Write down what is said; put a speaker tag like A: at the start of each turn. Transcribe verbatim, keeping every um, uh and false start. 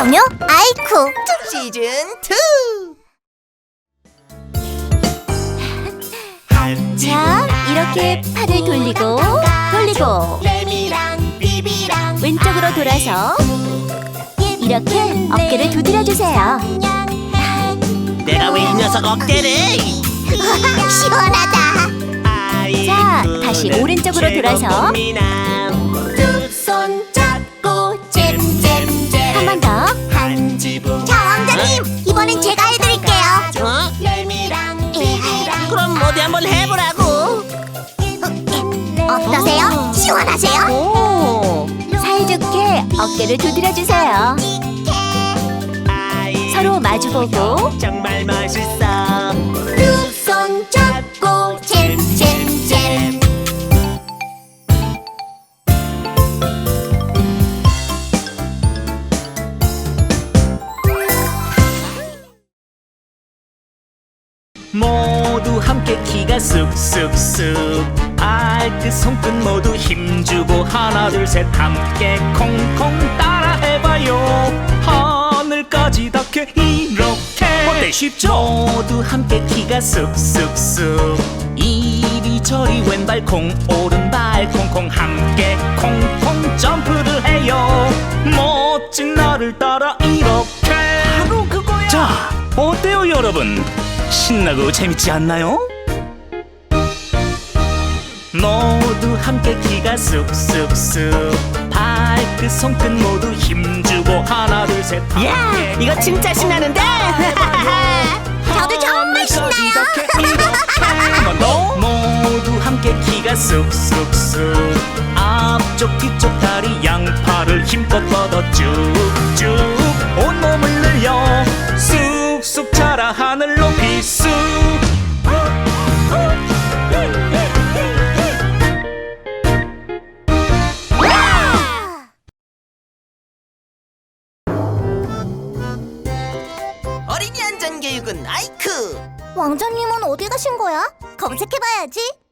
A: 소녀 아이쿠
B: 시즌 투.
A: 자, 이렇게 팔을 돌리고 돌리고 왼쪽으로 돌아서 이렇게 어깨를 두드려주세요.
B: 내가 왜 이 녀석 어깨를?
A: 시원하다. 자, 다시 오른쪽으로 돌아서
B: 두 손 잡고 잼잼잼.
A: 한 번 더.
B: 한 지붕.
A: 자, 왕자님, 이번엔 제가 해드릴게요.
B: 어? 그럼 어디 한번 해보라고.
A: 어떠세요? 시원하세요?
B: 오.
A: 사이좋게 어깨를 두드려주세요. 서로 마주보고
B: 정말 멋있어. 두 손 잡고 잼잼잼. 모두 함께 키가 쑥쑥쑥. 발끝 손끝 모두 힘주고 하나 둘 셋 함께 콩콩 따라 해봐요. 하늘까지 닿게 이렇게. 어때 쉽죠? 모두 함께 키가 쑥쑥쑥. 이리저리 왼발 콩 오른발 콩콩 함께 콩콩 점프를 해요. 멋진 나를 따라 이렇게. 바로 그거야. 자, 어때요 여러분? 신나고 재밌지 않나요? 모두 함께 키가 쑥쑥쑥. 발끝 손끝 모두 힘주고 하나 둘 셋. 야, 이거 진짜 신나는데?
A: 저도 정말 신나요.
B: 한번 더. 모두 함께 키가 쑥쑥쑥. 앞쪽 뒤쪽 다리 양팔을 힘껏 뻗어 쭉쭉 온몸을 늘려 쑥쑥 자라 하늘 높이 쑥. 어린이 안전교육은 아이크.
A: 왕자님은 어디 가신 거야? 검색해봐야지.